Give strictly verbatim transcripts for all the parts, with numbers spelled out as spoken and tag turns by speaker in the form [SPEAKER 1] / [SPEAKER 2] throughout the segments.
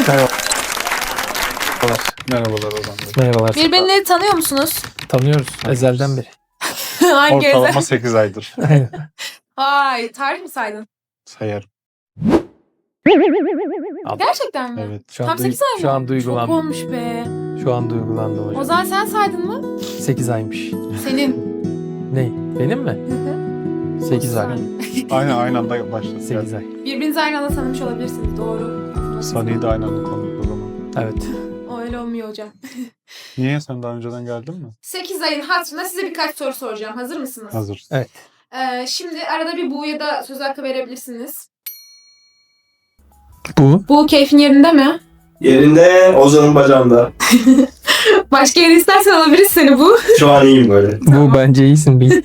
[SPEAKER 1] Merhaba.
[SPEAKER 2] Merhabalar Ozan Bey.
[SPEAKER 1] Merhabalar.
[SPEAKER 3] Birbirini tanıyor musunuz?
[SPEAKER 1] Tanıyoruz ezelden beri.
[SPEAKER 3] Hangi
[SPEAKER 2] Ortalama
[SPEAKER 3] özel?
[SPEAKER 2] sekiz aydır
[SPEAKER 1] Aynen.
[SPEAKER 3] Ay, tarih mi saydın?
[SPEAKER 2] sayarım.
[SPEAKER 3] Gerçekten mi?
[SPEAKER 2] Evet.
[SPEAKER 1] Şu an,
[SPEAKER 3] Tam
[SPEAKER 1] duy-
[SPEAKER 3] sekiz ay mı?
[SPEAKER 1] şu an
[SPEAKER 3] Çok
[SPEAKER 1] duygulandım.
[SPEAKER 3] olmuş be.
[SPEAKER 1] Şu an duygulandım hocam.
[SPEAKER 3] Ozan sen saydın mı?
[SPEAKER 1] sekiz aymış.
[SPEAKER 3] Senin.
[SPEAKER 1] Ne? Benim mi? sekiz ay.
[SPEAKER 2] Aynı aynı anda başladı.
[SPEAKER 1] sekiz ay.
[SPEAKER 3] Birbirinizi aynı anda tanımış olabilirsiniz. Doğru.
[SPEAKER 2] Saniye de aynı anda konuştuk o zaman.
[SPEAKER 1] Evet.
[SPEAKER 3] O öyle olmuyor hocam.
[SPEAKER 2] Niye? Sen daha önceden geldin mi?
[SPEAKER 3] sekiz ayın hatırına size birkaç soru soracağım. Hazır mısınız?
[SPEAKER 2] Hazır.
[SPEAKER 1] Evet.
[SPEAKER 3] Ee, şimdi arada bir Bu'ya da söz hakkı verebilirsiniz.
[SPEAKER 1] Bu.
[SPEAKER 3] Bu keyfin yerinde mi?
[SPEAKER 4] Yerinde, Ozan'ın bacağında.
[SPEAKER 3] Başka yere istersen alabiliriz seni bu.
[SPEAKER 4] Şu an iyiyim böyle.
[SPEAKER 1] Bu bence iyisin. Bir.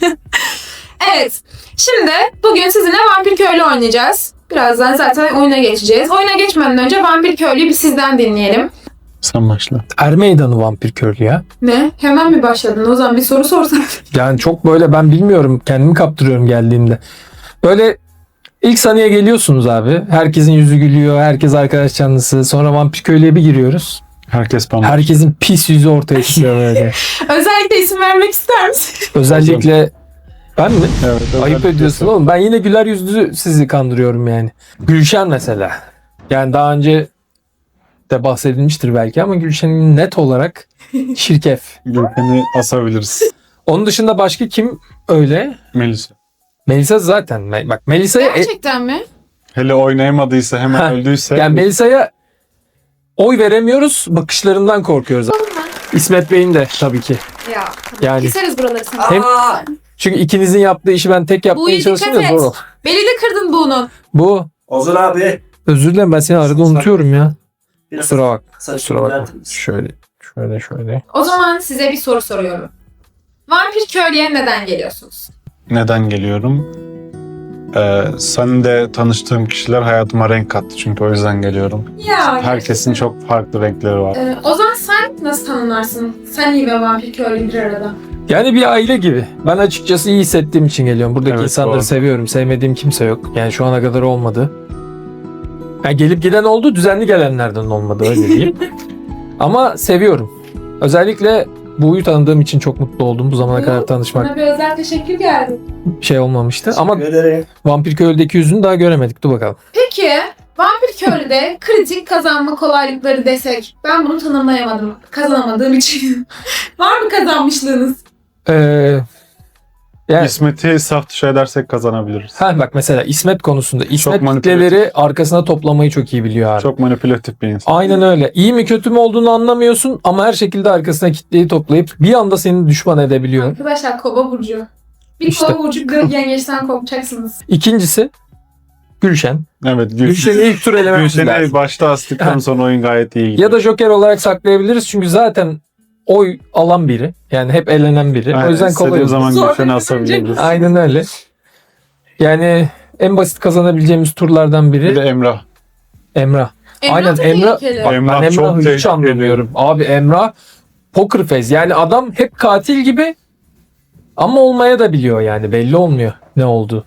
[SPEAKER 3] Evet. Şimdi bugün sizinle Vampir Köylü oynayacağız. Birazdan zaten oyuna geçeceğiz. Oyuna geçmeden önce Vampir Köylü'yü bir sizden dinleyelim.
[SPEAKER 2] Sen başla.
[SPEAKER 1] Er meydanı vampir körlü ya.
[SPEAKER 3] Ne? Hemen mi başladın? O zaman bir soru sorsan.
[SPEAKER 1] Yani çok böyle ben bilmiyorum. Kendimi kaptırıyorum geldiğimde. Böyle ilk saniye geliyorsunuz abi. Herkesin yüzü gülüyor. Herkes arkadaş canlısı. Sonra vampir köylüye bir giriyoruz.
[SPEAKER 2] Herkes bana.
[SPEAKER 1] Herkesin pis yüzü ortaya çıkıyor böyle.
[SPEAKER 3] Özellikle isim vermek ister misin?
[SPEAKER 1] Özellikle ben mi?
[SPEAKER 2] Evet,
[SPEAKER 1] Ayıp
[SPEAKER 2] özellikle
[SPEAKER 1] ediyorsun
[SPEAKER 2] sen.
[SPEAKER 1] oğlum. Ben yine güler yüzlü sizi kandırıyorum yani. Gülşen mesela. Yani daha önce de bahsedilmiştir belki ama Gülşen'in net olarak şirkef.
[SPEAKER 2] Gülpen'i asabiliriz.
[SPEAKER 1] Onun dışında başka kim öyle?
[SPEAKER 2] Melisa.
[SPEAKER 1] Melisa zaten. Me- Bak Melisa'ya e-
[SPEAKER 3] Gerçekten mi?
[SPEAKER 2] Hele oynayamadıysa hemen
[SPEAKER 1] Ha,
[SPEAKER 2] öldüyse.
[SPEAKER 1] yani Melisa'ya oy veremiyoruz. Bakışlarından korkuyoruz. İsmet Bey'in de tabii ki.
[SPEAKER 3] Ya.
[SPEAKER 1] Yani
[SPEAKER 3] Keseriz buraları sana.
[SPEAKER 1] Hem- çünkü ikinizin yaptığı işi ben tek yapmaya
[SPEAKER 3] Bu iyi,
[SPEAKER 1] çalışınca
[SPEAKER 3] dikkat et.
[SPEAKER 1] zor ol.
[SPEAKER 3] Beli de kırdın bunun.
[SPEAKER 1] Bu
[SPEAKER 4] Ozan abi.
[SPEAKER 1] özür dilerim ben seni arada unutuyorum ya.
[SPEAKER 4] Biraz
[SPEAKER 1] Kusura bak.
[SPEAKER 4] saçını
[SPEAKER 1] Kusura bakma.
[SPEAKER 4] düzeltir misin?
[SPEAKER 1] Şöyle şöyle şöyle.
[SPEAKER 3] O zaman size bir soru soruyorum. Vampir Köylü'ye neden geliyorsunuz?
[SPEAKER 2] Neden geliyorum? Ee, sen de tanıştığım kişiler hayatıma renk kattı çünkü o yüzden geliyorum.
[SPEAKER 3] Ya.
[SPEAKER 2] Herkesin çok farklı renkleri var.
[SPEAKER 3] Ee, Ozan sen nasıl tanımlarsın? Sen iyi ve Vampir Köylü bir arada.
[SPEAKER 1] Yani bir aile gibi. Ben açıkçası iyi hissettiğim için geliyorum. Buradaki
[SPEAKER 2] Evet,
[SPEAKER 1] insanları
[SPEAKER 2] doğru.
[SPEAKER 1] seviyorum. Sevmediğim kimse yok. Yani şu ana kadar olmadı. Yani gelip giden oldu, düzenli gelenlerden olmadı öyle diyeyim. Ama seviyorum. Özellikle Bu'yu tanıdığım için çok mutlu oldum. Bu zamana
[SPEAKER 3] Bu,
[SPEAKER 1] kadar tanışmak
[SPEAKER 3] Bana bir özel teşekkür geldi.
[SPEAKER 1] şey olmamıştı. Ama
[SPEAKER 4] Teşekkür ederim.
[SPEAKER 1] Vampir Köylü'deki yüzünü daha göremedik. Dur bakalım.
[SPEAKER 3] Peki Vampir Köylü'de kritik kazanma kolaylıkları desek ben bunu tanımlayamadım. Kazanamadığım için. Var mı kazanmışlığınız?
[SPEAKER 1] Ee, yani,
[SPEAKER 2] İsmet'i saf dışı edersek kazanabiliriz.
[SPEAKER 1] ha bak mesela İsmet konusunda. İsmet
[SPEAKER 2] manipülatif.
[SPEAKER 1] kitleleri arkasına toplamayı çok iyi biliyor abi.
[SPEAKER 2] Çok manipülatif bir insan.
[SPEAKER 1] Aynen öyle. İyi mi kötü mü olduğunu anlamıyorsun ama her şekilde arkasına kitleyi toplayıp bir anda seni düşman edebiliyor.
[SPEAKER 3] Arkadaşlar Kova Burcu. Bir
[SPEAKER 1] İşte.
[SPEAKER 3] Kova Burcu kırık yengeçten korkacaksınız.
[SPEAKER 1] İkincisi Gülşen.
[SPEAKER 2] Evet.
[SPEAKER 1] Gülşen'i ilk tur elememiz
[SPEAKER 2] Gülşen'i
[SPEAKER 1] lazım.
[SPEAKER 2] başta astıktan sonra oyun gayet iyi gidiyor.
[SPEAKER 1] Ya da Joker olarak saklayabiliriz çünkü zaten oy alan biri. Yani hep elenen biri.
[SPEAKER 2] Aynen,
[SPEAKER 1] O yüzden kolay.
[SPEAKER 2] istediğim zaman
[SPEAKER 3] Zor
[SPEAKER 2] Gülşen'i
[SPEAKER 3] bir
[SPEAKER 2] asabiliriz.
[SPEAKER 1] Aynen öyle. Yani en basit kazanabileceğimiz turlardan
[SPEAKER 2] Bir
[SPEAKER 1] biri
[SPEAKER 2] de Emrah.
[SPEAKER 1] Emrah.
[SPEAKER 3] Emrah
[SPEAKER 1] Aynen,
[SPEAKER 3] da
[SPEAKER 1] Emrah-
[SPEAKER 3] tehlikeli.
[SPEAKER 1] Bak,
[SPEAKER 2] Emrah
[SPEAKER 1] ben
[SPEAKER 2] çok
[SPEAKER 1] Emrah'ı hiç
[SPEAKER 2] tehlikeli.
[SPEAKER 1] anlamıyorum. Abi Emrah poker face. Yani adam hep katil gibi ama olmaya da biliyor yani. Belli olmuyor ne oldu.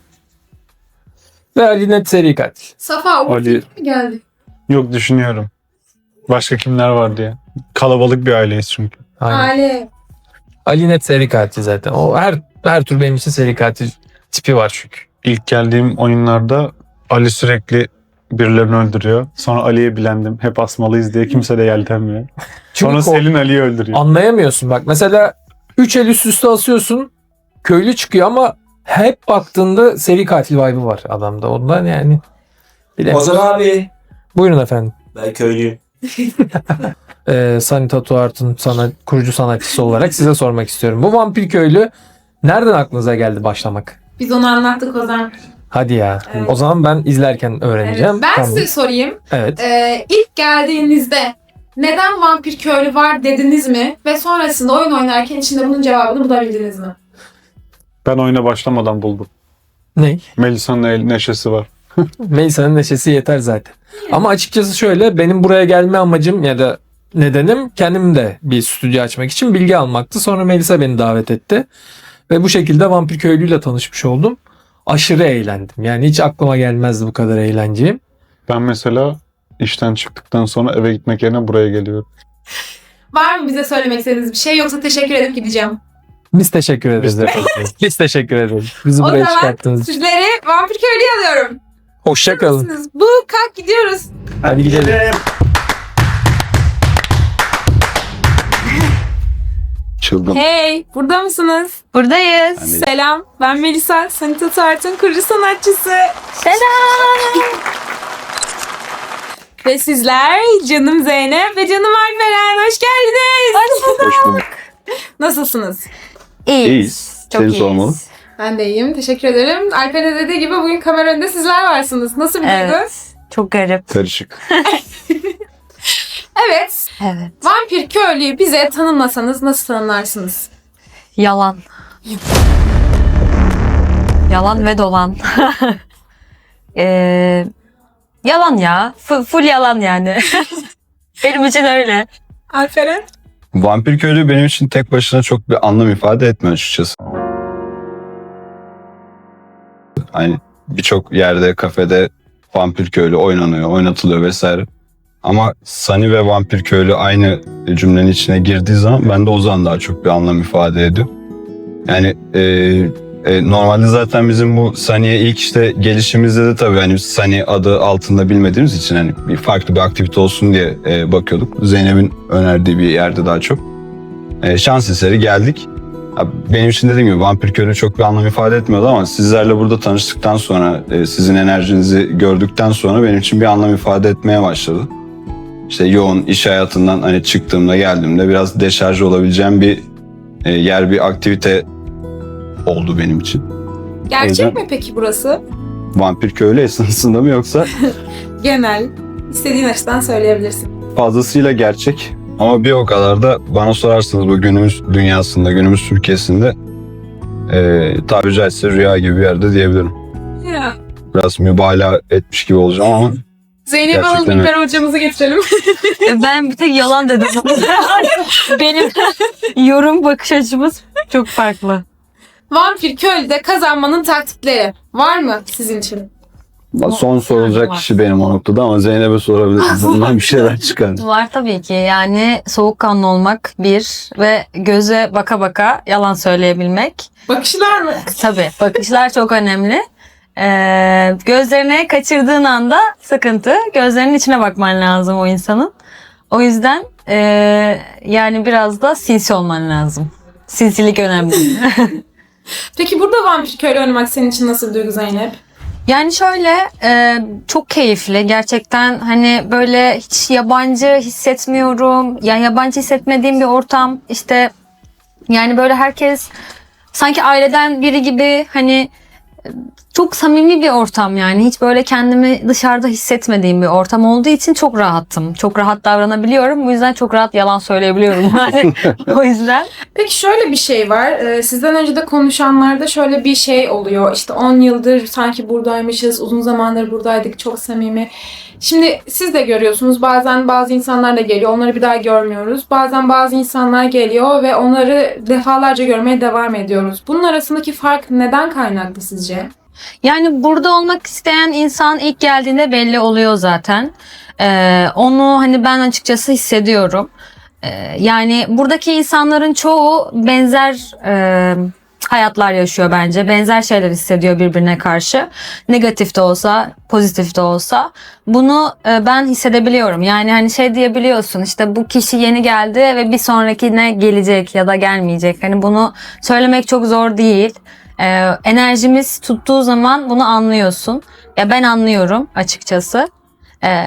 [SPEAKER 1] Ve Ali net seri katil.
[SPEAKER 3] Safa
[SPEAKER 2] Ali-
[SPEAKER 3] Ali... mi geldi?
[SPEAKER 2] Yok düşünüyorum. Başka kimler var diye. Kalabalık bir aileyiz çünkü.
[SPEAKER 1] Aynen.
[SPEAKER 3] Ali.
[SPEAKER 1] Ali net seri katil zaten. O her her tur benim için seri katil tipi var çünkü.
[SPEAKER 2] İlk geldiğim oyunlarda Ali sürekli birilerini öldürüyor. Sonra Ali'ye bilendim. Hep asmalıyız diye kimse de yeltenmiyor.
[SPEAKER 1] Çünkü
[SPEAKER 2] Sonra
[SPEAKER 1] kork-
[SPEAKER 2] Selin Ali'yi öldürüyor.
[SPEAKER 1] anlayamıyorsun. Bak mesela üç el üst üste asıyorsun. Köylü çıkıyor ama hep baktığında seri katil vibe'ı var adamda. Ondan yani. Bilemiyorum.
[SPEAKER 4] Ozan abi.
[SPEAKER 1] Buyurun efendim.
[SPEAKER 4] Ben köylüyüm.
[SPEAKER 1] Ee, Sunny Tattoo Art'ın sana, kurucu sanatçısı olarak size sormak istiyorum. Bu vampir köylü nereden aklınıza geldi başlamak?
[SPEAKER 3] Biz onu anlattık Ozan.
[SPEAKER 1] Hadi ya.
[SPEAKER 3] Evet.
[SPEAKER 1] O zaman ben izlerken öğreneceğim.
[SPEAKER 3] Evet. Ben
[SPEAKER 1] Tamam.
[SPEAKER 3] size sorayım.
[SPEAKER 1] Evet.
[SPEAKER 3] Ee, ilk geldiğinizde neden Vampir Köylü var dediniz mi? Ve sonrasında oyun oynarken içinde bunun cevabını bulabildiniz mi?
[SPEAKER 2] Ben oyuna başlamadan buldum.
[SPEAKER 1] Ne?
[SPEAKER 2] Melisa'nın el neşesi var.
[SPEAKER 1] Melisa'nın neşesi yeter zaten. Ama açıkçası şöyle benim buraya gelme amacım ya da nedenim kendim de bir stüdyo açmak için bilgi almaktı. Sonra Melisa beni davet etti. Ve bu şekilde Vampir Köylü'yle tanışmış oldum. Aşırı eğlendim. Yani hiç aklıma gelmezdi bu kadar eğleneceğim.
[SPEAKER 2] Ben mesela işten çıktıktan sonra eve gitmek yerine buraya geliyorum.
[SPEAKER 3] Var mı bize söylemek istediğiniz bir şey yoksa teşekkür edip gideceğim.
[SPEAKER 1] Biz teşekkür ederiz efendim. Biz teşekkür ederiz. Bizi
[SPEAKER 3] O
[SPEAKER 1] buraya
[SPEAKER 3] zaman
[SPEAKER 1] çıkarttığınız için.
[SPEAKER 3] sizleri Vampir Köylü'ye alıyorum.
[SPEAKER 1] Hoşça kalın.
[SPEAKER 3] Siz bu kalk gidiyoruz.
[SPEAKER 1] Hadi gidelim.
[SPEAKER 4] Gidelim.
[SPEAKER 2] Çılgın.
[SPEAKER 3] Hey, burada mısınız?
[SPEAKER 5] Buradayız.
[SPEAKER 3] Selam, ben Melisa, Sanita Tart'ın kurucu sanatçısı.
[SPEAKER 5] Selam.
[SPEAKER 3] Ve sizler canım Zeynep ve canım Alperen, hoş geldiniz.
[SPEAKER 2] Hoş bulduk.
[SPEAKER 3] Nasılsınız?
[SPEAKER 5] İyiyiz.
[SPEAKER 2] İyiyiz.
[SPEAKER 5] Çok
[SPEAKER 2] Seni
[SPEAKER 5] iyiyiz.
[SPEAKER 2] sormalı.
[SPEAKER 3] Ben de iyiyim, teşekkür ederim. Alperen'e dediği gibi bugün kamera önünde sizler varsınız. Nasıl bir duygu?
[SPEAKER 5] Evet. Çok garip.
[SPEAKER 2] Karışık.
[SPEAKER 3] Evet,
[SPEAKER 5] Evet.
[SPEAKER 3] Vampir Köylü'yü bize tanımlasanız nasıl tanımlarsınız?
[SPEAKER 5] Yalan. Yalan ve dolan. Ee, yalan ya. F- full yalan yani. Benim için öyle.
[SPEAKER 3] Alperen?
[SPEAKER 6] Vampir Köylü benim için tek başına çok bir anlam ifade etmiyor açıkçası. Hani birçok yerde, kafede Vampir Köylü oynanıyor, oynatılıyor vesaire. Ama Sunny ve Vampir Köylü aynı cümlenin içine girdiği zaman bende o zaman daha çok bir anlam ifade ediyor. Yani e, e, normalde zaten bizim bu Sunny'ye ilk işte gelişimizde de tabii hani Sunny adı altında bilmediğimiz için hani bir farklı bir aktivite olsun diye e, bakıyorduk. Zeynep'in önerdiği bir yerde daha çok. E, şans eseri geldik. Ya benim için dediğim gibi Vampir Köylü çok bir anlam ifade etmiyordu ama sizlerle burada tanıştıktan sonra, e, sizin enerjinizi gördükten sonra benim için bir anlam ifade etmeye başladı. İşte yoğun iş hayatından hani çıktığımda geldiğimde biraz deşarj olabileceğim bir e, yer, bir aktivite oldu benim için.
[SPEAKER 3] Gerçek
[SPEAKER 6] yüzden-
[SPEAKER 3] mi peki burası?
[SPEAKER 6] Vampir Köylü esnasında mı yoksa
[SPEAKER 3] Genel. İstediğin açıdan söyleyebilirsin.
[SPEAKER 6] fazlasıyla gerçek ama bir o kadar da bana sorarsanız bu günümüz dünyasında, günümüz Türkiye'sinde e, tabiri caizse rüya gibi bir yerde diyebilirim.
[SPEAKER 3] Ya.
[SPEAKER 6] Biraz mübalağa etmiş gibi olacağım ama
[SPEAKER 3] Zeynep
[SPEAKER 6] Gerçekten
[SPEAKER 3] alalım,
[SPEAKER 6] öyle.
[SPEAKER 3] İlper hocamızı getirelim.
[SPEAKER 5] Ben bir tek yalan dedim. Benim yorum bakış açımız çok farklı.
[SPEAKER 3] Vampir Köylü'de kazanmanın taktikleri var mı sizin için?
[SPEAKER 6] son sorulacak kişi benim o noktada ama Zeynep'e sorabilirsiniz. Bundan bir şeyler çıkar.
[SPEAKER 5] Var tabii ki. Yani soğukkanlı olmak bir ve göze baka baka yalan söyleyebilmek.
[SPEAKER 3] Bakışlar mı?
[SPEAKER 5] Tabii bakışlar çok önemli. Ee, gözlerine kaçırdığın anda sıkıntı. Gözlerinin içine bakman lazım o insanın. O yüzden ee, yani biraz da sinsi olman lazım. Sinsilik önemli.
[SPEAKER 3] Peki burada Vampir Köylü oynamak senin için nasıl bir duygu Zeynep?
[SPEAKER 5] Yani şöyle e, çok keyifli gerçekten, hani böyle hiç yabancı hissetmiyorum. Yani yabancı hissetmediğim bir ortam, işte yani böyle herkes sanki aileden biri gibi, hani e, çok samimi bir ortam yani. Hiç böyle kendimi dışarıda hissetmediğim bir ortam olduğu için çok rahattım. Çok rahat davranabiliyorum. Bu yüzden çok rahat yalan söyleyebiliyorum yani. O yüzden.
[SPEAKER 3] Peki şöyle bir şey var. Ee, sizden önce de konuşanlarda şöyle bir şey oluyor. İşte on yıldır sanki buradaymışız. Uzun zamandır buradaydık. Çok samimi. Şimdi siz de görüyorsunuz. Bazen bazı insanlar da geliyor. Onları bir daha görmüyoruz. Bazen bazı insanlar geliyor ve onları defalarca görmeye devam ediyoruz. Bunun arasındaki fark neden kaynaklı sizce?
[SPEAKER 5] Yani burada olmak isteyen insan ilk geldiğinde belli oluyor zaten. Ee, onu hani ben açıkçası hissediyorum. Ee, yani buradaki insanların çoğu benzer e, hayatlar yaşıyor bence. Benzer şeyler hissediyor birbirine karşı. Negatif de olsa, pozitif de olsa. Bunu e, ben hissedebiliyorum. Yani hani şey diyebiliyorsun, işte bu kişi yeni geldi ve bir sonrakine gelecek ya da gelmeyecek. Hani bunu söylemek çok zor değil. Ee, enerjimiz tuttuğu zaman bunu anlıyorsun. Ya ben anlıyorum açıkçası. Ee,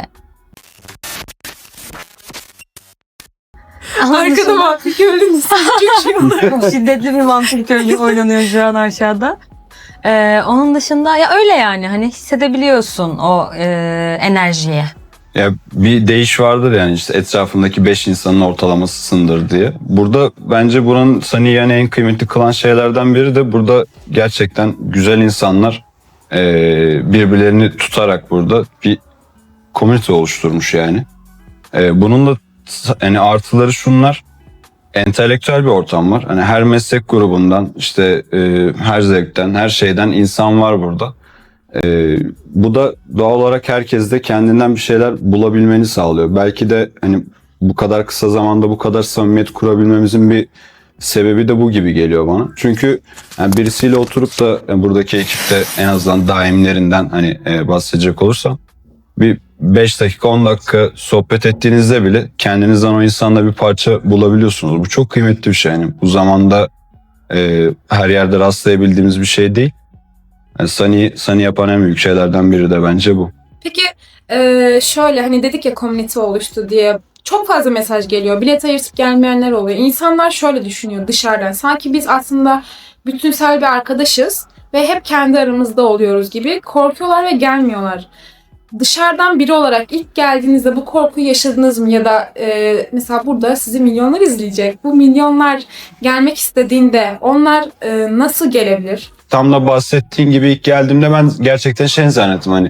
[SPEAKER 3] Arkada Vampir Köylü'nün çok şey oluyor.
[SPEAKER 5] Çok şiddetli bir vampir köylü oynanıyor şu an aşağıda. Ee, onun dışında ya öyle yani, hani hissedebiliyorsun o e, enerjiyi.
[SPEAKER 6] Ya bir deyiş vardır yani, işte etrafındaki beş insanın ortalamasısındır diye. Burada bence buranın Sunny'i yani en kıymetli kılan şeylerden biri de burada gerçekten güzel insanlar e, birbirlerini tutarak burada bir komünite oluşturmuş yani. E, bunun da yani artıları şunlar: entelektüel bir ortam var. Hani her meslek grubundan, işte e, her zevkten, her şeyden insan var burada. Ee, bu da doğal olarak herkeste kendinden bir şeyler bulabilmeni sağlıyor. Belki de hani bu kadar kısa zamanda bu kadar samimiyet kurabilmemizin bir sebebi de bu gibi geliyor bana. Çünkü yani birisiyle oturup da yani buradaki ekipte en azından daimlerinden hani e, bahsedecek olursam bir beş dakika on dakika sohbet ettiğinizde bile kendinizden o insanla bir parça bulabiliyorsunuz. Bu çok kıymetli bir şey. Yani bu zamanda e, her yerde rastlayabildiğimiz bir şey değil. Yani Sunny, Sunny yapan en büyük şeylerden biri de bence bu.
[SPEAKER 3] Peki e, şöyle hani dedik ya komünite oluştu diye çok fazla mesaj geliyor. Bilet ayırtıp gelmeyenler oluyor. İnsanlar şöyle düşünüyor dışarıdan. Sanki biz aslında bütünsel bir arkadaşız ve hep kendi aramızda oluyoruz gibi korkuyorlar ve gelmiyorlar. Dışarıdan biri olarak ilk geldiğinizde bu korkuyu yaşadınız mı? Ya da e, mesela burada sizi milyonlar izleyecek. Bu milyonlar gelmek istediğinde onlar e, nasıl gelebilir?
[SPEAKER 6] Tam da bahsettiğin gibi ilk geldiğimde ben gerçekten şey zannettim hani.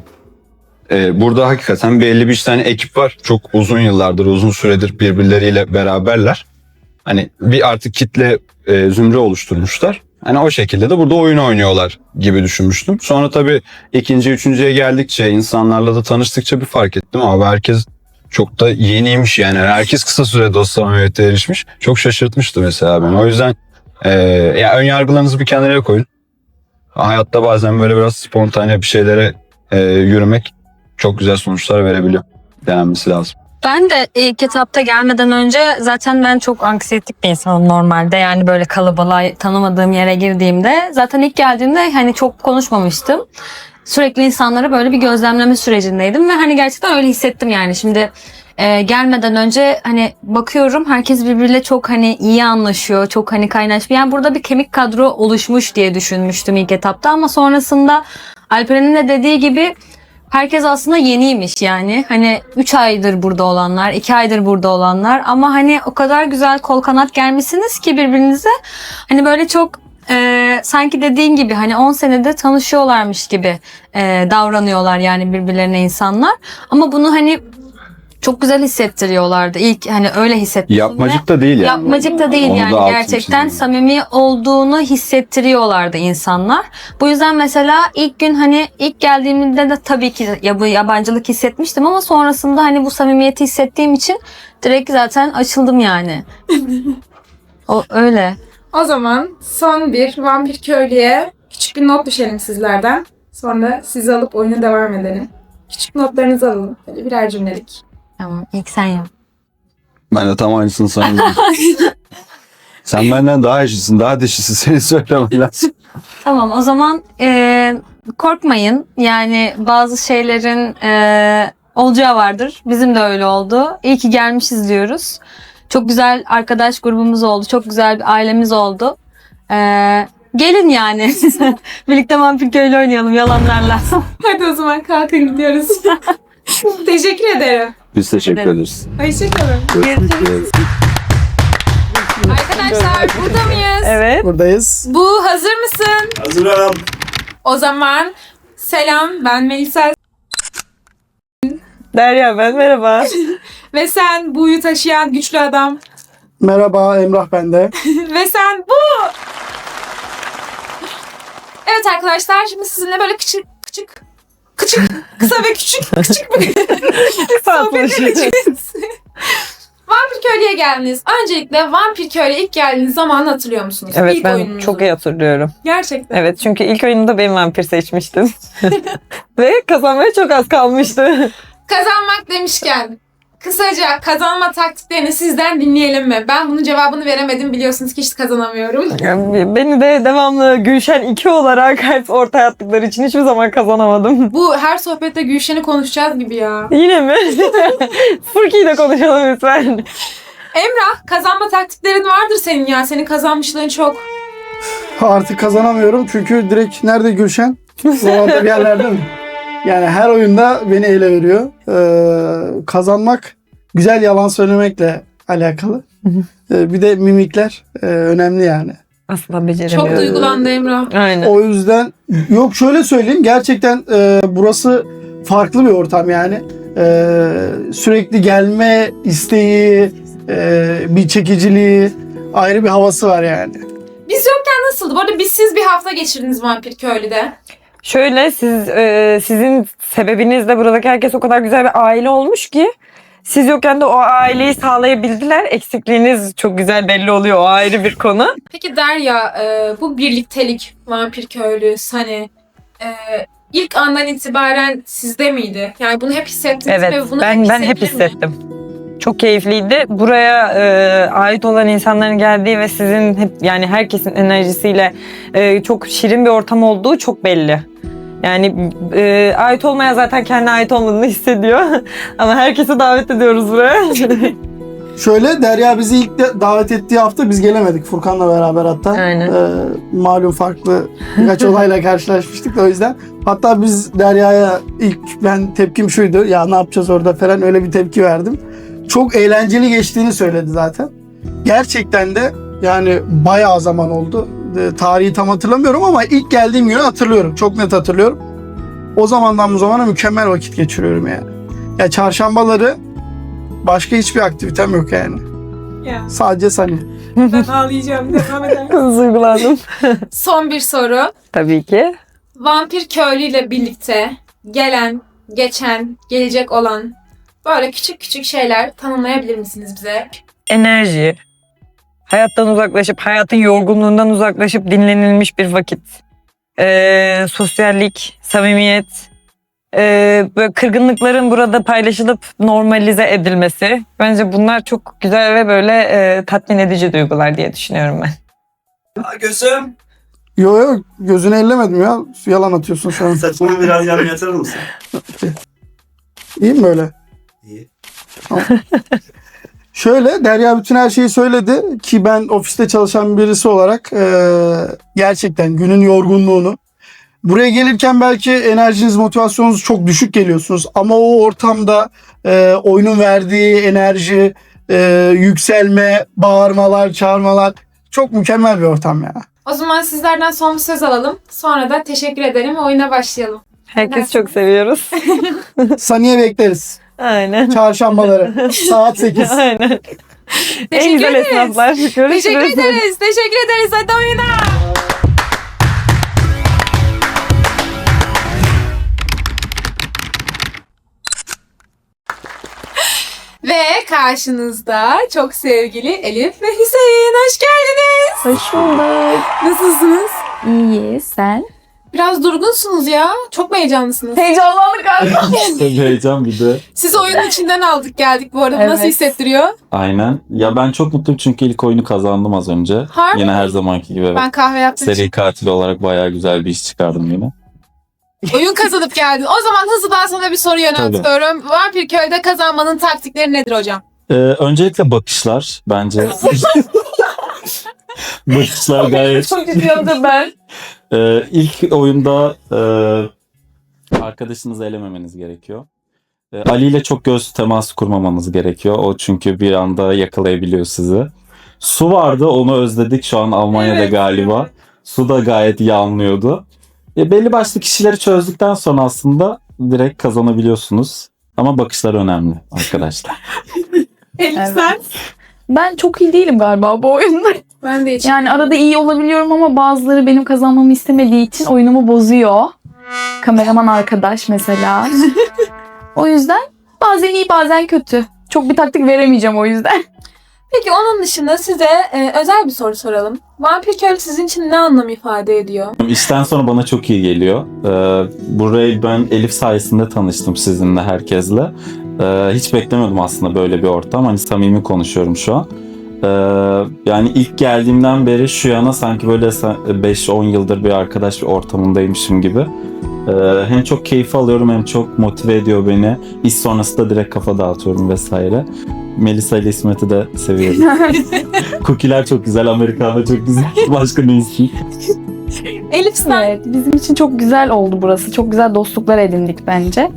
[SPEAKER 6] e, burada hakikaten belli bir tane ekip var. Çok uzun yıllardır, uzun süredir birbirleriyle beraberler. Hani bir artık kitle e, zümre oluşturmuşlar. Hani o şekilde de burada oyun oynuyorlar gibi düşünmüştüm. Sonra tabii ikinci, üçüncüye geldikçe, insanlarla da tanıştıkça bir fark ettim. Abi herkes çok da yeniymiş yani. Herkes kısa sürede o samimiyete erişmiş. Çok şaşırtmıştı mesela beni. O yüzden e, ya ön yargılarınızı bir kenara koyun. Hayatta bazen böyle biraz spontane bir şeylere e, yürümek çok güzel sonuçlar verebiliyor. Denenmesi lazım.
[SPEAKER 5] Ben de ilk etapta gelmeden önce zaten ben çok anksiyetik bir insanım normalde. Yani böyle kalabalığa tanımadığım yere girdiğimde zaten ilk geldiğimde hani çok konuşmamıştım. Sürekli insanları böyle bir gözlemleme sürecindeydim ve hani gerçekten öyle hissettim yani. Şimdi e, gelmeden önce hani bakıyorum herkes birbiriyle çok hani iyi anlaşıyor, çok hani kaynaşmış. Yani burada bir kemik kadro oluşmuş diye düşünmüştüm ilk etapta ama sonrasında Alperen'in de dediği gibi herkes aslında yeniymiş yani. Hani üç aydır burada olanlar, iki aydır burada olanlar ama hani o kadar güzel kol kanat gelmişsiniz ki birbirinize. Hani böyle çok e, sanki dediğin gibi hani on senede tanışıyorlarmış gibi e, davranıyorlar yani birbirlerine insanlar. Ama bunu hani çok güzel hissettiriyorlardı. İlk hani öyle hissettim.
[SPEAKER 6] Yapmacık da değil yani.
[SPEAKER 5] Yapmacık da değil
[SPEAKER 6] Onu da
[SPEAKER 5] yani
[SPEAKER 6] altını
[SPEAKER 5] gerçekten
[SPEAKER 6] çizeyim.
[SPEAKER 5] samimi olduğunu hissettiriyorlardı insanlar. Bu yüzden mesela ilk gün hani ilk geldiğimde de tabii ki ya bu yabancılık hissetmiştim ama sonrasında hani bu samimiyeti hissettiğim için direkt zaten açıldım yani. O öyle.
[SPEAKER 3] O zaman son bir Vampir Köylü'ye küçük bir not düşelim sizlerden. Sonra sizi alıp oyuna devam edelim. Küçük notlarınızı alalım. Böyle birer cümlelik.
[SPEAKER 5] Tamam ilk sen yap.
[SPEAKER 6] Ben de tam aynısını sanıyorum. Sen benden daha eşisin, daha dişisin. Seni söylemem lazım.
[SPEAKER 5] Tamam o zaman e, korkmayın. Yani bazı şeylerin e, olacağı vardır. Bizim de öyle oldu. İyi ki gelmişiz diyoruz. Çok güzel arkadaş grubumuz oldu. Çok güzel bir ailemiz oldu. E, gelin yani. Birlikte Vampir Köylü oynayalım yalanlarla.
[SPEAKER 3] Hadi o zaman kalkın gidiyoruz. Teşekkür ederim.
[SPEAKER 6] Biz teşekkür
[SPEAKER 5] Ederim.
[SPEAKER 6] ederiz.
[SPEAKER 3] Hoşçakalın.
[SPEAKER 6] Görüşürüz.
[SPEAKER 3] Arkadaşlar burada mıyız?
[SPEAKER 7] Evet.
[SPEAKER 8] Buradayız.
[SPEAKER 3] Bu hazır mısın?
[SPEAKER 4] Hazırım.
[SPEAKER 3] O zaman selam, ben Melisa
[SPEAKER 7] Derya ben, merhaba.
[SPEAKER 3] ve sen buyu taşıyan güçlü adam
[SPEAKER 8] Merhaba, Emrah ben de.
[SPEAKER 3] ve sen bu. Evet arkadaşlar şimdi sizinle böyle küçük küçük küçük kısa ve küçük küçük bir sohbet edeceğiz. Vampir Köylü'ye geldiniz. Öncelikle Vampir Köylü'ye ilk geldiğiniz zamanı hatırlıyor musunuz?
[SPEAKER 7] Evet
[SPEAKER 3] İlk
[SPEAKER 7] ben
[SPEAKER 3] oyununuzu.
[SPEAKER 7] çok iyi hatırlıyorum.
[SPEAKER 3] Gerçekten.
[SPEAKER 7] Evet çünkü ilk oyununda ben vampir seçmiştim. Ve kazanmaya çok az kalmıştı.
[SPEAKER 3] Kazanmak demişken kısaca kazanma taktiklerini sizden dinleyelim mi? Ben bunun cevabını veremedim. Biliyorsunuz ki hiç kazanamıyorum.
[SPEAKER 7] Yani beni de devamlı Gülşen iki olarak hep ortaya attıkları için hiçbir zaman kazanamadım.
[SPEAKER 3] Bu her sohbette Gülşen'i konuşacağız gibi ya.
[SPEAKER 7] Yine mi? Furki'yi de konuşalım lütfen.
[SPEAKER 3] Emrah, kazanma taktiklerin vardır senin ya. Senin kazanmışlığın çok.
[SPEAKER 8] Artık kazanamıyorum çünkü direkt nerede Gülşen? Oralarda bir yerlerde mi? Yani her oyunda beni ele veriyor. Ee, kazanmak güzel yalan söylemekle alakalı. Ee, bir de mimikler e, önemli yani.
[SPEAKER 7] Asla beceremiyorum.
[SPEAKER 3] Çok duygulandı Emrah.
[SPEAKER 7] Aynen.
[SPEAKER 8] O yüzden yok şöyle söyleyeyim gerçekten e, burası farklı bir ortam yani. E, sürekli gelme isteği, e, bir çekiciliği, ayrı bir havası var yani.
[SPEAKER 3] Biz yokken nasıldı? Bu arada biz siz bir hafta geçirdiniz Vampir Köylü'de.
[SPEAKER 7] Şöyle siz e, sizin sebebinizle buradaki herkes o kadar güzel bir aile olmuş ki siz yokken de o aileyi sağlayabildiler. Eksikliğiniz çok güzel belli oluyor. O ayrı bir konu.
[SPEAKER 3] Peki Derya, e, bu birliktelik, vampir köylü, Sunny, e, ilk andan itibaren sizde miydi? Yani bunu hep hissettiniz
[SPEAKER 7] Evet,
[SPEAKER 3] ve bunu
[SPEAKER 7] ben
[SPEAKER 3] hep
[SPEAKER 7] ben hep
[SPEAKER 3] hissedebilir miyim?
[SPEAKER 7] hissettim. Çok keyifliydi. Buraya e, ait olan insanların geldiği ve sizin hep yani herkesin enerjisiyle e, çok şirin bir ortam olduğu çok belli. Yani e, ait olmayan zaten kendi ait olmadığını hissediyor. Ama herkese davet ediyoruz buraya.
[SPEAKER 8] Şöyle Derya bizi ilk de davet ettiği hafta biz gelemedik Furkan'la beraber hatta.
[SPEAKER 7] Aynen.
[SPEAKER 8] Ee, malum farklı birkaç olayla karşılaşmıştık da o yüzden. Hatta biz Derya'ya ilk ben tepkim şuydu. Ya ne yapacağız orada falan öyle bir tepki verdim. Çok eğlenceli geçtiğini söyledi zaten. Gerçekten de yani bayağı zaman oldu. E, tarihi tam hatırlamıyorum ama ilk geldiğim günü hatırlıyorum. Çok net hatırlıyorum. O zamandan bu zamana mükemmel vakit geçiriyorum yani. Ya çarşambaları başka hiçbir aktivitem yok yani.
[SPEAKER 3] Ya.
[SPEAKER 8] Sadece Sunny.
[SPEAKER 3] Ben ağlayacağım. Devam eder.
[SPEAKER 7] Duygulandım.
[SPEAKER 3] Son bir soru.
[SPEAKER 7] Tabii ki.
[SPEAKER 3] Vampir köylüyle birlikte gelen, geçen, gelecek olan böyle küçük küçük şeyler tanımlayabilir misiniz bize?
[SPEAKER 7] Enerji. Hayattan uzaklaşıp, hayatın yorgunluğundan uzaklaşıp dinlenilmiş bir vakit. Ee, sosyallik, samimiyet. Ee, böyle kırgınlıkların burada paylaşılıp normalize edilmesi. Bence bunlar çok güzel ve böyle e, tatmin edici duygular diye düşünüyorum ben.
[SPEAKER 4] Aa, gözüm.
[SPEAKER 8] Yo yo gözünü ellemedim ya. Yalan atıyorsun şu an.
[SPEAKER 4] Saçımı biraz yan yatırır mısın?
[SPEAKER 8] İyi mi böyle?
[SPEAKER 4] İyi.
[SPEAKER 8] Şöyle Derya bütün her şeyi söyledi ki ben ofiste çalışan birisi olarak e, gerçekten günün yorgunluğunu buraya gelirken belki enerjiniz motivasyonunuz çok düşük geliyorsunuz ama o ortamda e, oyunun verdiği enerji, e, yükselme, bağırmalar, çağırmalar çok mükemmel bir ortam ya.
[SPEAKER 3] O zaman sizlerden son bir söz alalım. Sonra da teşekkür ederim ve oyuna başlayalım.
[SPEAKER 7] Herkes çok seviyoruz.
[SPEAKER 8] Saniye bekleriz.
[SPEAKER 7] Aynen.
[SPEAKER 8] Çarşambaları saat sekiz.
[SPEAKER 7] Aynen. En
[SPEAKER 3] Teşekkür
[SPEAKER 7] güzel
[SPEAKER 3] ederiz.
[SPEAKER 7] esnaflar. Görüşürüz.
[SPEAKER 3] Teşekkür ederiz. Teşekkür ederiz. Hadi oyuna. Ve karşınızda çok sevgili Elif ve Hüseyin. Hoş geldiniz.
[SPEAKER 9] Hoş bulduk.
[SPEAKER 3] Nasılsınız?
[SPEAKER 9] İyi, sen?
[SPEAKER 3] Biraz durgunsunuz ya. Çok mu heyecanlısınız?
[SPEAKER 9] Heyecanlandık galiba.
[SPEAKER 10] Tabii heyecan bir de.
[SPEAKER 3] Sizi oyunun içinden aldık geldik bu arada. Bu
[SPEAKER 9] Evet.
[SPEAKER 3] Nasıl hissettiriyor?
[SPEAKER 10] Aynen. Ya ben çok mutluyum çünkü ilk oyunu kazandım az önce.
[SPEAKER 3] Harbi
[SPEAKER 10] Yine
[SPEAKER 3] mi?
[SPEAKER 10] her zamanki gibi. Evet.
[SPEAKER 3] Ben kahve yaptım.
[SPEAKER 10] Seri katil olarak bayağı güzel bir iş çıkardım yine.
[SPEAKER 3] Oyun kazanıp geldin. O zaman hızlıdan sana bir soru yöneltiyorum. Vampir Köy'de kazanmanın taktikleri nedir hocam?
[SPEAKER 10] Ee, öncelikle bakışlar bence. Bakışlar gayet.
[SPEAKER 9] Çok ciddi ben.
[SPEAKER 10] Ee, ilk oyunda e, arkadaşınızı elememeniz gerekiyor. Ee, Ali ile çok göz teması kurmamanız gerekiyor. O çünkü bir anda yakalayabiliyor sizi. Su vardı, onu özledik şu an Almanya'da
[SPEAKER 3] Evet.
[SPEAKER 10] galiba. Su da gayet iyi anlıyordu. E, belli başlı kişileri çözdükten sonra aslında direkt kazanabiliyorsunuz. Ama bakışlar önemli arkadaşlar.
[SPEAKER 3] Elif
[SPEAKER 9] Evet.
[SPEAKER 3] sen?
[SPEAKER 9] Ben çok iyi değilim galiba bu oyunda.
[SPEAKER 3] Ben de hiç.
[SPEAKER 9] Yani arada iyi olabiliyorum ama bazıları benim kazanmamı istemediği için oyunumu bozuyor. Kameraman arkadaş mesela. O yüzden bazen iyi bazen kötü. Çok bir taktik veremeyeceğim o yüzden.
[SPEAKER 3] Peki onun dışında size e, özel bir soru soralım. Vampir Köy sizin için ne anlam ifade ediyor?
[SPEAKER 10] İşten sonra bana çok iyi geliyor. Ee, burayı ben Elif sayesinde tanıştım sizinle, herkesle. Ee, hiç beklemiyordum aslında böyle bir ortam. Hani samimi konuşuyorum şu an. Ee, yani ilk geldiğimden beri şu yana sanki böyle beş on yıldır bir arkadaş bir ortamındaymışım gibi. Ee, hem çok keyif alıyorum hem çok motive ediyor beni. İş sonrası da direkt kafa dağıtıyorum vesaire. Melisa ile İsmet'i de seviyorum. Cookie'ler çok güzel, Amerikanlar çok güzel. Başka ne istiyor?
[SPEAKER 3] Elif sen?
[SPEAKER 9] Evet, bizim için çok güzel oldu burası. Çok güzel dostluklar edindik bence.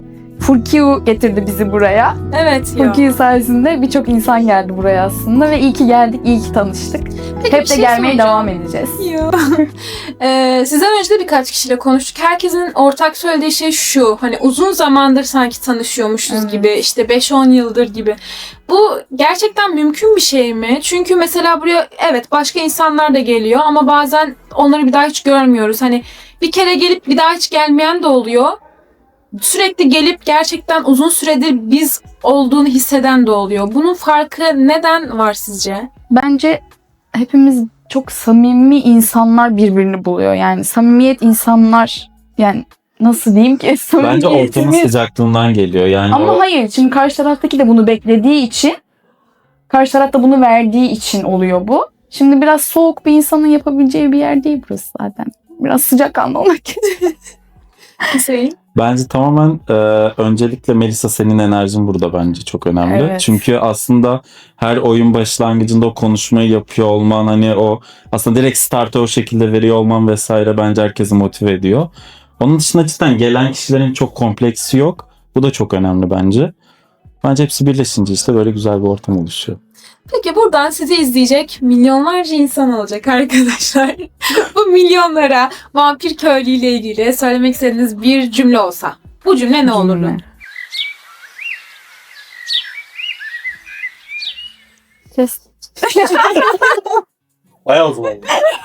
[SPEAKER 9] Furkiu getirdi bizi buraya.
[SPEAKER 3] Evet ya.
[SPEAKER 9] Furkiu sayesinde birçok insan geldi buraya aslında ve iyi ki geldik, iyi ki tanıştık.
[SPEAKER 3] Peki,
[SPEAKER 9] Hep
[SPEAKER 3] bir
[SPEAKER 9] de
[SPEAKER 3] şey
[SPEAKER 9] gelmeye
[SPEAKER 3] soracağım.
[SPEAKER 9] devam edeceğiz.
[SPEAKER 3] Ya. Ee, sizden önce de birkaç kişiyle konuştuk. Herkesin ortak söylediği şey şu. Hani uzun zamandır sanki tanışıyormuşuz
[SPEAKER 9] Evet.
[SPEAKER 3] gibi. İşte beş on yıldır gibi. Bu gerçekten mümkün bir şey mi? Çünkü mesela buraya evet başka insanlar da geliyor ama bazen onları bir daha hiç görmüyoruz. Hani bir kere gelip bir daha hiç gelmeyen de oluyor. Sürekli gelip gerçekten uzun süredir biz olduğunu hisseden de oluyor. Bunun farkı neden var sizce?
[SPEAKER 9] Bence hepimiz çok samimi insanlar birbirini buluyor. Yani samimiyet insanlar, yani nasıl diyeyim ki?
[SPEAKER 10] Bence ortamın
[SPEAKER 9] Samimiyetimiz-
[SPEAKER 10] sıcaklığından geliyor. Yani
[SPEAKER 9] Ama
[SPEAKER 10] o-
[SPEAKER 9] hayır, şimdi karşı taraftaki de bunu beklediği için, karşı taraf da bunu verdiği için oluyor bu. Şimdi biraz soğuk bir insanın yapabileceği bir yer değil burası zaten. Biraz sıcakkanlı olmak gerekiyor.
[SPEAKER 3] Hüseyin?
[SPEAKER 10] Bence tamamen e, öncelikle Melisa senin enerjin burada bence çok önemli.
[SPEAKER 9] Evet.
[SPEAKER 10] Çünkü aslında her oyun başlangıcında o konuşmayı yapıyor olman, hani o aslında direkt startı o şekilde veriyor olman vesaire bence herkesi motive ediyor. Onun dışında cidden gelen kişilerin çok kompleksi yok. Bu da çok önemli bence. Bence hepsi birleşince işte böyle güzel bir ortam oluşuyor.
[SPEAKER 3] Peki buradan sizi izleyecek milyonlarca insan olacak arkadaşlar. Bu milyonlara Vampir Köylü ile ilgili söylemek istediğiniz bir cümle olsa. Bu cümle ne olurdu?
[SPEAKER 9] Cümle. Kes.
[SPEAKER 10] Ay o zaman.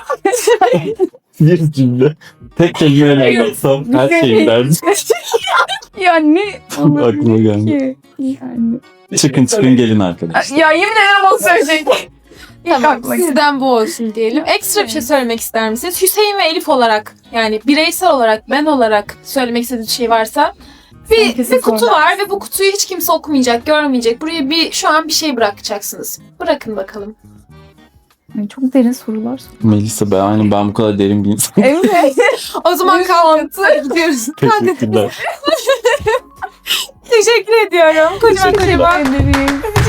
[SPEAKER 10] Bir cümle. Tek kelimeyle anlatsam her şeyi derdim.
[SPEAKER 9] Yani
[SPEAKER 10] Aklıma geldi.
[SPEAKER 9] ki. Yani.
[SPEAKER 10] Çıkın çıkın gelin arkadaşlar.
[SPEAKER 9] Ya yemin ederim onu söyleyecek.
[SPEAKER 3] Tamam,
[SPEAKER 9] aklıma geldi.
[SPEAKER 3] sizden bu olsun diyelim. Ekstra bir şey söylemek ister misiniz? Hüseyin ve Elif olarak, yani bireysel olarak, ben olarak söylemek istediğiniz şey varsa. Bir,
[SPEAKER 9] Herkese
[SPEAKER 3] bir kutu
[SPEAKER 9] sormak.
[SPEAKER 3] var ve bu kutuyu hiç kimse okumayacak, görmeyecek. Buraya bir şu an bir şey bırakacaksınız. Bırakın bakalım.
[SPEAKER 9] Yani çok derin sorular sor.
[SPEAKER 10] Melisa ben, yani ben bu kadar derin bir insan.
[SPEAKER 9] Evet.
[SPEAKER 3] O zaman kalkın. Gidiyoruz. Hadi.
[SPEAKER 10] Teşekkürler.
[SPEAKER 3] Teşekkür ediyorum. Kocaman kocaman.
[SPEAKER 9] Teşekkür ederim.